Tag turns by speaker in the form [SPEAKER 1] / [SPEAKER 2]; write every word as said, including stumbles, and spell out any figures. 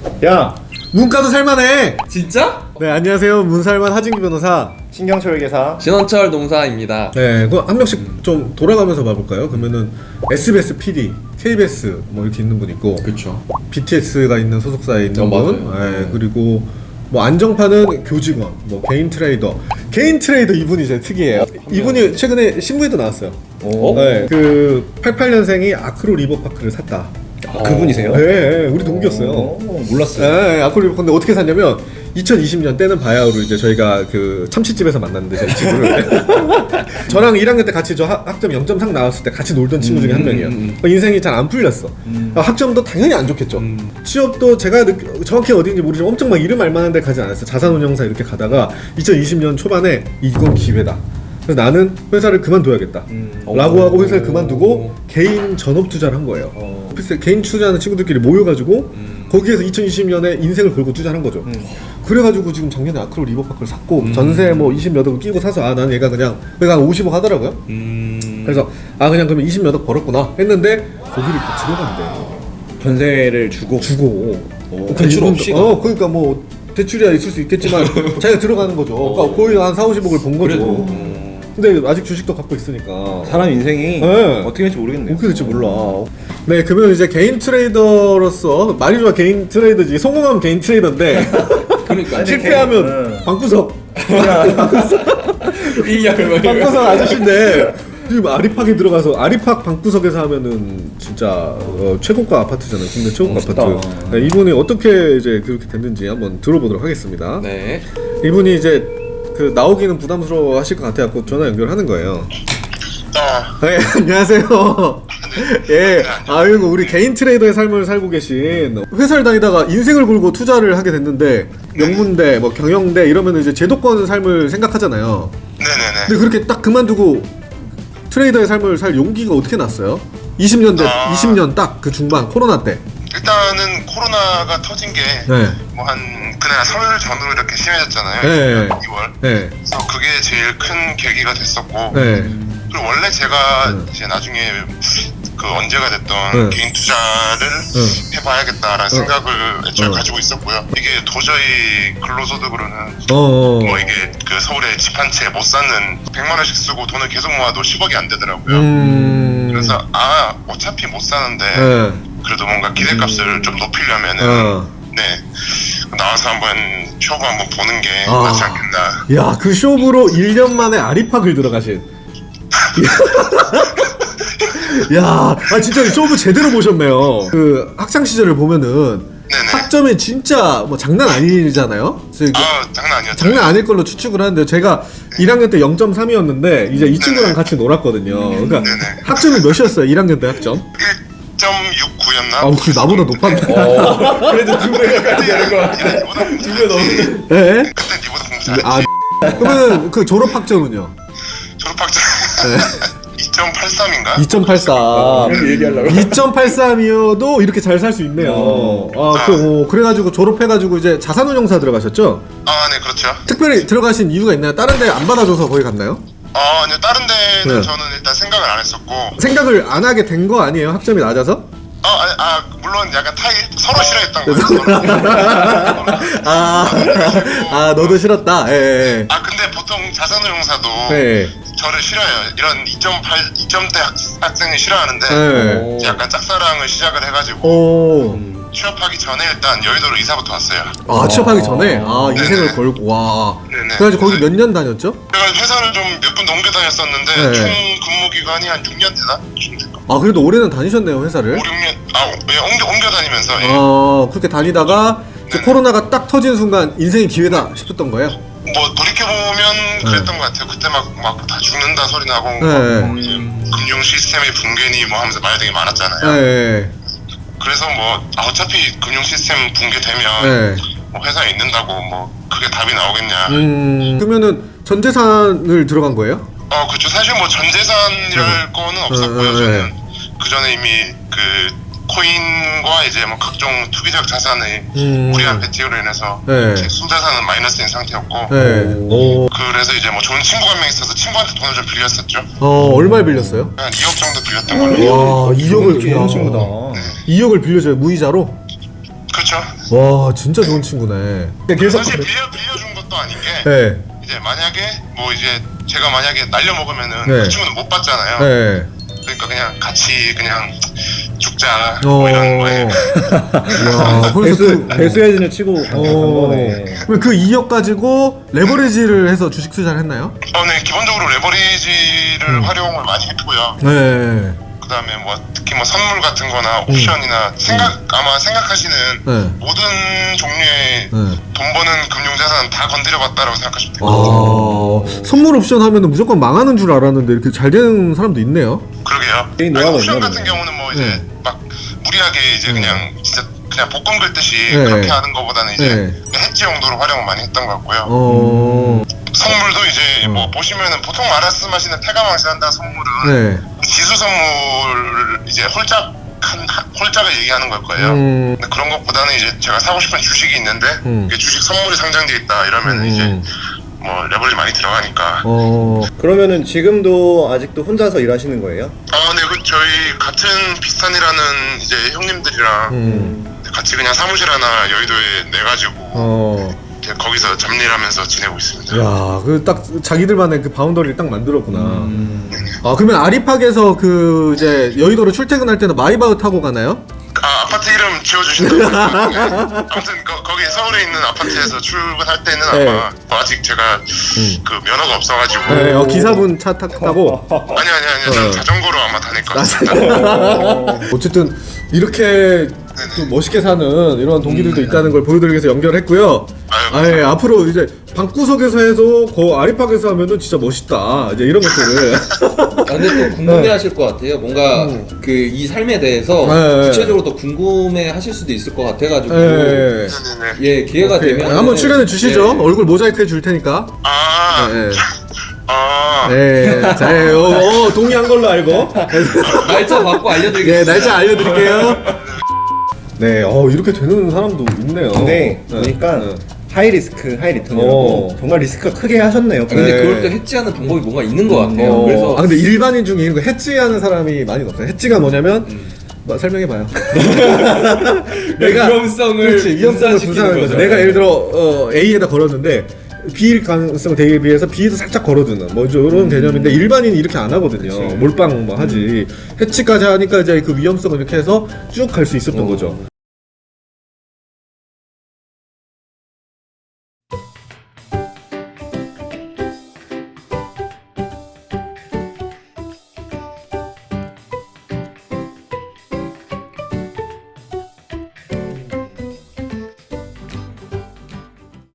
[SPEAKER 1] 야,
[SPEAKER 2] 문과도 살만해.
[SPEAKER 3] 진짜?
[SPEAKER 2] 네, 안녕하세요. 문살만 하진규 변호사.
[SPEAKER 1] 신경철 계사.
[SPEAKER 3] 신원철 농사입니다.
[SPEAKER 2] 네, 그거 한 명씩 좀 돌아가면서 봐볼까요? 그러면은 에스비에스 피디, 케이비에스 뭐 이렇게 있는 분 있고,
[SPEAKER 3] 그쵸.
[SPEAKER 2] 비티에스가 있는 소속사에 있는
[SPEAKER 3] 어,
[SPEAKER 2] 분,
[SPEAKER 3] 맞아요.
[SPEAKER 2] 네, 그리고 뭐 안정판은 교직원, 뭐 개인 트레이더. 개인 트레이더 이분이 제일 특이해요. 이분이 최근에 신문에도 나왔어요.
[SPEAKER 1] 오.
[SPEAKER 2] 네, 그 팔십팔 년생이 아크로 리버파크를 샀다.
[SPEAKER 1] 아, 그분이세요?
[SPEAKER 2] 네, 네, 우리 동기였어요.
[SPEAKER 1] 오, 몰랐어요.
[SPEAKER 2] 네, 아크로 리버파크. 근데 어떻게 샀냐면 이천이십 년 때는 바야흐로 이제 저희가 그 참치집에서 만났는데 저희 친구를 저랑 일 학년 때 같이 저 학, 학점 영 점 삼 나왔을 때 같이 놀던 친구 중에 한 명이에요.
[SPEAKER 3] 음,
[SPEAKER 2] 인생이 잘 안 풀렸어.
[SPEAKER 1] 음.
[SPEAKER 2] 학점도 당연히 안 좋겠죠.
[SPEAKER 3] 음.
[SPEAKER 2] 취업도 제가 느, 정확히 어디인지 모르지만 엄청 막 이름 알만한 데 가지 않았어요. 자산운용사 이렇게 가다가 이천이십 년 초반에 이건 기회다. 그래서 나는 회사를 그만둬야겠다
[SPEAKER 1] 음.
[SPEAKER 2] 라고 하고 회사를 그만두고 개인 전업 투자를 한 거예요.
[SPEAKER 1] 어.
[SPEAKER 2] 글쎄, 개인 투자하는 친구들끼리 모여가지고
[SPEAKER 3] 음.
[SPEAKER 2] 거기에서 이천이십 년에 인생을 걸고 투자를 한 거죠.
[SPEAKER 1] 음.
[SPEAKER 2] 그래가지고 지금 작년에 아크로 리버파크를 샀고
[SPEAKER 3] 음.
[SPEAKER 2] 전세 뭐 이십 몇 억을 끼고 사서 아 나는 얘가 그냥 얘가 한 오십억 하더라고요.
[SPEAKER 3] 음.
[SPEAKER 2] 그래서 아 그냥 그러면 이십 몇 억 벌었구나 했는데 거기를 또 들어간대.
[SPEAKER 1] 전세를 주고.
[SPEAKER 2] 주고
[SPEAKER 1] 오, 대출 없이.
[SPEAKER 2] 어 그러니까 뭐 대출이야 있을 수 있겠지만 자기가 들어가는 거죠. 그러니까 거의 한 사오십억을 번 거죠.
[SPEAKER 3] 그래도.
[SPEAKER 2] 근데 아직 주식도 갖고 있으니까
[SPEAKER 1] 사람 인생이
[SPEAKER 2] 네.
[SPEAKER 1] 어떻게 될지 모르겠네요.
[SPEAKER 2] 어떻게 될지 몰라. 네, 그러면 이제 개인 트레이더로서 말이 좋아 개인 트레이더지 성공하면 개인 트레이더인데
[SPEAKER 3] 그러니까.
[SPEAKER 2] 실패하면
[SPEAKER 1] 개인,
[SPEAKER 2] 방구석
[SPEAKER 3] 삐약을
[SPEAKER 2] 방구석 아저씨인데 지금 아리팍에 들어가서 아리팍 방구석에서 하면은 진짜 어, 최고가 아파트잖아요. 국내 최고가
[SPEAKER 1] 멋있다.
[SPEAKER 2] 아파트. 네, 이분이 어떻게 이제 그렇게 됐는지 한번 들어보도록 하겠습니다.
[SPEAKER 3] 네.
[SPEAKER 2] 이분이 이제 그 나오기는 부담스러워 하실 것 같아갖고 전화 연결하는 거예요.
[SPEAKER 4] 어,
[SPEAKER 2] 네, 안녕하세요. 예, 아이고 우리 개인 트레이더의 삶을 살고 계신 회사를 다니다가 인생을 걸고 투자를 하게 됐는데 명문대, 뭐 경영대 이러면 이제 제도권 삶을 생각하잖아요.
[SPEAKER 4] 네네네.
[SPEAKER 2] 근데 그렇게 딱 그만두고 트레이더의 삶을 살 용기가 어떻게 났어요? 이십 년대,
[SPEAKER 4] 아.
[SPEAKER 2] 이십 년 딱 그 중반 코로나 때.
[SPEAKER 4] 일단은 코로나가 터진 게 뭐 한
[SPEAKER 2] 네,
[SPEAKER 4] 그날 설을 전후로 이렇게 심해졌잖아요.
[SPEAKER 2] 네.
[SPEAKER 4] 이월.
[SPEAKER 2] 네,
[SPEAKER 4] 그래서 그게 제일 큰 계기가 됐었고.
[SPEAKER 2] 네,
[SPEAKER 4] 그리고 원래 제가
[SPEAKER 2] 네.
[SPEAKER 4] 이제 나중에 그 언제가 됐던
[SPEAKER 2] 네.
[SPEAKER 4] 개인 투자를
[SPEAKER 2] 네.
[SPEAKER 4] 해봐야겠다라는
[SPEAKER 2] 어.
[SPEAKER 4] 생각을 애초에
[SPEAKER 2] 어.
[SPEAKER 4] 가지고 있었고요. 이게 도저히 근로소득으로는
[SPEAKER 2] 어, 어.
[SPEAKER 4] 뭐 이게 그 서울에 집 한 채 못 사는 백만 원씩 쓰고 돈을 계속 모아도 십억이 안 되더라고요.
[SPEAKER 2] 음,
[SPEAKER 4] 그래서 아 어차피 못 사는데
[SPEAKER 2] 네,
[SPEAKER 4] 그래도 뭔가 기대값을 좀 높이려면은
[SPEAKER 2] 어.
[SPEAKER 4] 네 나와서 한번 쇼부 한번 보는 게
[SPEAKER 2] 아.
[SPEAKER 4] 낫지 않겠나.
[SPEAKER 2] 야, 그 쇼부로 일 년 만에 아리팍을 들어가신. 야, 아 진짜 쇼부 제대로 보셨네요. 그 학창 시절을 보면은
[SPEAKER 4] 네네.
[SPEAKER 2] 학점이 진짜 뭐 장난 아니잖아요. 저희 그
[SPEAKER 4] 아 장난 아니었죠.
[SPEAKER 2] 장난 아닐 걸로 추측을 하는데 제가 일 학년 때 영 점 삼이었는데 이제 이 친구랑 같이 놀았거든요. 그러니까
[SPEAKER 4] 네네.
[SPEAKER 2] 학점이 몇이었어요? 일 학년 때 학점?
[SPEAKER 4] 일 점 육구였나?
[SPEAKER 2] 아, 그 나보다 높았네.
[SPEAKER 3] 그래도 두 배가 가야 되는 거 같아.
[SPEAKER 4] 니보다 공부
[SPEAKER 3] 두 배 넘는.
[SPEAKER 2] 네?
[SPEAKER 4] 그때 니보다 공부 잘했지.
[SPEAKER 2] 아, 그러면 그 졸업 학점은요?
[SPEAKER 4] 졸업학점
[SPEAKER 2] 네.
[SPEAKER 4] 이 점 팔삼인가?
[SPEAKER 2] 이 점 팔삼.
[SPEAKER 3] 이렇게 얘기하려고.
[SPEAKER 2] 이 점 팔삼이어도 이렇게 잘 살 수 있네요. 아, 그, 어, 그래가지고 졸업해가지고 이제 자산운용사 들어가셨죠?
[SPEAKER 4] 아, 네, 그렇죠.
[SPEAKER 2] 특별히 들어가신 이유가 있나요? 다른 데 안 받아줘서 거기 갔나요?
[SPEAKER 4] 아, 아니요, 다른 데는
[SPEAKER 2] 네.
[SPEAKER 4] 저는 일단 생각을 안 했었고,
[SPEAKER 2] 생각을 안 하게 된 거 아니에요? 학점이 낮아서?
[SPEAKER 4] 아, 아, 아 물론 약간 타일 서로 싫어했던 거예요. 서로.
[SPEAKER 2] 아, 아 너도 싫었다. 예, 예.
[SPEAKER 4] 아, 근데 보통 자산운용사도
[SPEAKER 2] 예.
[SPEAKER 4] 저를 싫어해요. 이런 이 점 팔, 이 점대 학, 학생을 싫어하는데
[SPEAKER 2] 예.
[SPEAKER 4] 이제 약간 짝사랑을 시작을 해가지고
[SPEAKER 2] 오.
[SPEAKER 4] 취업하기 전에 일단 여의도로 이사부터 왔어요.
[SPEAKER 2] 아, 취업하기 전에? 아,
[SPEAKER 4] 네네.
[SPEAKER 2] 인생을 걸고, 와.
[SPEAKER 4] 네네.
[SPEAKER 2] 그래가지고 거기 몇 년 다녔죠?
[SPEAKER 4] 제가 회사를 좀 몇 분 넘겨 다녔었는데
[SPEAKER 2] 네.
[SPEAKER 4] 총 근무 기간이 한 육 년 되나?
[SPEAKER 2] 아, 그래도 올해는 다니셨네요, 회사를.
[SPEAKER 4] 오, 육 년, 아, 예, 옮겨, 옮겨 다니면서, 예.
[SPEAKER 2] 어, 그렇게 다니다가 이제
[SPEAKER 4] 네네.
[SPEAKER 2] 코로나가 딱 터진 순간 인생의 기회다 싶었던 거예요?
[SPEAKER 4] 뭐, 돌이켜보면 그랬던 것 같아요. 그때 막, 막 다 죽는다 소리 나고,
[SPEAKER 2] 네.
[SPEAKER 4] 뭐, 이제 금융 시스템의 붕괴니 뭐 하면서 말 되게 많았잖아요.
[SPEAKER 2] 예.
[SPEAKER 4] 그래서 뭐, 아, 어차피 금융 시스템 붕괴되면,
[SPEAKER 2] 예.
[SPEAKER 4] 뭐 회사에 있는다고 뭐, 그게 답이 나오겠냐.
[SPEAKER 2] 음, 그러면은 전 재산을 들어간 거예요?
[SPEAKER 4] 어, 그쵸. 사실 뭐 전재산이랄 거는 없었고요.
[SPEAKER 2] 네, 네.
[SPEAKER 4] 저는 그 전에 이미 그 코인과 이제 뭐 각종 투기적 자산의
[SPEAKER 2] 음.
[SPEAKER 4] 무리한 배팅으로 인해서
[SPEAKER 2] 네.
[SPEAKER 4] 제 순자산은 마이너스인 상태였고,
[SPEAKER 2] 네. 오.
[SPEAKER 4] 그래서 이제 뭐 좋은 친구가 한 명 있어서 친구한테 돈을 좀 빌렸었죠.
[SPEAKER 2] 어, 얼마 빌렸어요?
[SPEAKER 4] 한 이억 정도 빌렸던 걸로.
[SPEAKER 2] 와, 이억을
[SPEAKER 1] 좋은 친구다.
[SPEAKER 2] 이억을 빌려줘요, 무이자로?
[SPEAKER 4] 그렇죠. 그렇죠.
[SPEAKER 2] 와 진짜 좋은 친구네. 계속
[SPEAKER 4] 사실 빌려 빌려준 것도 아닌 게
[SPEAKER 2] 네.
[SPEAKER 4] 이제 만약에 뭐 이제 제가 만약에 날려 먹으면은
[SPEAKER 2] 네.
[SPEAKER 4] 그 친구는 못 받잖아요.
[SPEAKER 2] 네.
[SPEAKER 4] 그러니까 그냥 같이 그냥 죽자
[SPEAKER 2] 어.
[SPEAKER 4] 뭐 이런 거에.
[SPEAKER 2] 야, 그래서
[SPEAKER 1] 배수
[SPEAKER 2] 그,
[SPEAKER 1] 배수 헤진을 치고 간
[SPEAKER 2] 어.
[SPEAKER 1] 거네.
[SPEAKER 2] 그럼 그 이억 가지고 레버리지를 해서 주식 투자를 했나요?
[SPEAKER 4] 어, 네 기본적으로 레버리지를
[SPEAKER 2] 음.
[SPEAKER 4] 활용을 많이 했고요.
[SPEAKER 2] 네.
[SPEAKER 4] 그다음에 뭐 특히 뭐 선물 같은거나 옵션이나 생각 아마 생각하시는
[SPEAKER 2] 네.
[SPEAKER 4] 모든 종류의
[SPEAKER 2] 네.
[SPEAKER 4] 돈 버는 금융자산 다 건드려봤다라고 생각하시면 돼요.
[SPEAKER 2] 아, 선물 옵션 하면은 무조건 망하는 줄 알았는데 이렇게 잘 되는 사람도 있네요.
[SPEAKER 4] 그러게요.
[SPEAKER 1] 개인
[SPEAKER 4] 아니,
[SPEAKER 1] 노하우가
[SPEAKER 4] 옵션
[SPEAKER 1] 있나
[SPEAKER 4] 같은
[SPEAKER 1] 보네.
[SPEAKER 4] 경우는 뭐 이제
[SPEAKER 2] 네.
[SPEAKER 4] 막 무리하게 이제 그냥 진짜 그냥 복권 긁듯이
[SPEAKER 2] 네.
[SPEAKER 4] 그렇게 하는 것보다는 이제
[SPEAKER 2] 네.
[SPEAKER 4] 해지 용도로 활용을 많이 했던 것 같고요.
[SPEAKER 2] 어.
[SPEAKER 4] 선물도 이제 뭐 보시면은 보통 말씀하시는 태가망신 한다 선물은
[SPEAKER 2] 네.
[SPEAKER 4] 지수 선물 이제 홀짝 한 한- 홀짝을 얘기하는 걸 거예요.
[SPEAKER 2] 음.
[SPEAKER 4] 근데 그런 것보다는 이제 제가 사고 싶은 주식이 있는데
[SPEAKER 2] 음.
[SPEAKER 4] 이게 주식 선물이 상장돼 있다 이러면
[SPEAKER 2] 음.
[SPEAKER 4] 이제 뭐 레버리지 많이 들어가니까.
[SPEAKER 2] 어.
[SPEAKER 1] 그러면은 지금도 아직도 혼자서 일하시는 거예요?
[SPEAKER 4] 아, 네, 그 저희 같은 비슷한 일하는 이제 형님들이랑
[SPEAKER 2] 음.
[SPEAKER 4] 같이 그냥 사무실 하나 여의도에 내 가지고
[SPEAKER 2] 어.
[SPEAKER 4] 거기서 잡일하면서 지내고 있습니다.
[SPEAKER 2] 야, 그 딱 자기들만의 그 바운더리를 딱 만들었구나.
[SPEAKER 1] 음.
[SPEAKER 2] 아, 그러면 아리팍에서 그 이제 여의도로 출퇴근할 때는 마이바흐 타고 가나요?
[SPEAKER 4] 아, 아파트 이름 지어주신다고. 아무튼 거, 거기 서울에 있는 아파트에서 출근할 때는
[SPEAKER 2] 네.
[SPEAKER 4] 아마 뭐 아직 제가 그 면허가 없어가지고.
[SPEAKER 2] 네, 어, 기사분 차 타, 타고.
[SPEAKER 4] 아니 아니 아니 저는
[SPEAKER 2] 어.
[SPEAKER 4] 자전거로 아마 다닐 것 같습니다.
[SPEAKER 2] 어쨌든 이렇게 또 멋있게 사는 이런 동기들도 있다는 걸 보여드리기 위해서 연결했고요.
[SPEAKER 4] 아유,
[SPEAKER 2] 아, 예, 앞으로 이제 방구석에서 해서 그 아리팍에서 하면은 진짜 멋있다. 이제 이런 것들을.
[SPEAKER 3] 아, 근데 또 궁금해하실 것 같아요. 뭔가 그 이 삶에 대해서
[SPEAKER 2] 네.
[SPEAKER 3] 구체적으로 더 궁금해하실 수도 있을 것 같아가지고
[SPEAKER 2] 예.
[SPEAKER 4] 네네네.
[SPEAKER 3] 예 기회가
[SPEAKER 2] 오케이.
[SPEAKER 3] 되면
[SPEAKER 2] 한번 출연해 주시죠.
[SPEAKER 3] 예.
[SPEAKER 2] 얼굴 모자이크 해줄 테니까.
[SPEAKER 4] 아,
[SPEAKER 2] 네.
[SPEAKER 4] 아,
[SPEAKER 2] 네. 자, 예, 어, 어, 동의한 걸로 알고.
[SPEAKER 3] 날짜 받고
[SPEAKER 2] 네,
[SPEAKER 3] 알려드리겠습니다.
[SPEAKER 2] 날짜 알려드릴게요. 네, 어, 이렇게 되는 사람도 있네요.
[SPEAKER 1] 근데
[SPEAKER 2] 네.
[SPEAKER 1] 보니까
[SPEAKER 2] 네.
[SPEAKER 1] 하이 리스크 하이 리턴이라고
[SPEAKER 2] 어.
[SPEAKER 1] 정말 리스크가 크게 하셨네요.
[SPEAKER 3] 근데
[SPEAKER 2] 네.
[SPEAKER 3] 그걸 또 해지하는 방법이 뭔가 있는 것 같아요.
[SPEAKER 2] 어,
[SPEAKER 3] 그래서
[SPEAKER 2] 아 근데 일반인 중에 이런 거 해지하는 사람이 많이 없어요. 해지가 뭐냐면 뭐, 설명해봐요. 내가
[SPEAKER 3] 위험성을
[SPEAKER 2] 그렇지, 위험성을
[SPEAKER 3] 분산시키는
[SPEAKER 2] 분산하는 거죠.
[SPEAKER 3] 거죠.
[SPEAKER 2] 내가 예를 들어 어, A에다 걸었는데 B일 가능성 대비해서 B에도 살짝 걸어두는 뭐 이런 개념인데 일반인이 이렇게 안 하거든요. 몰빵 뭐 하지. 해치까지 하니까 이제 그 위험성을 이렇게 해서 쭉 갈 수 있었던 거죠.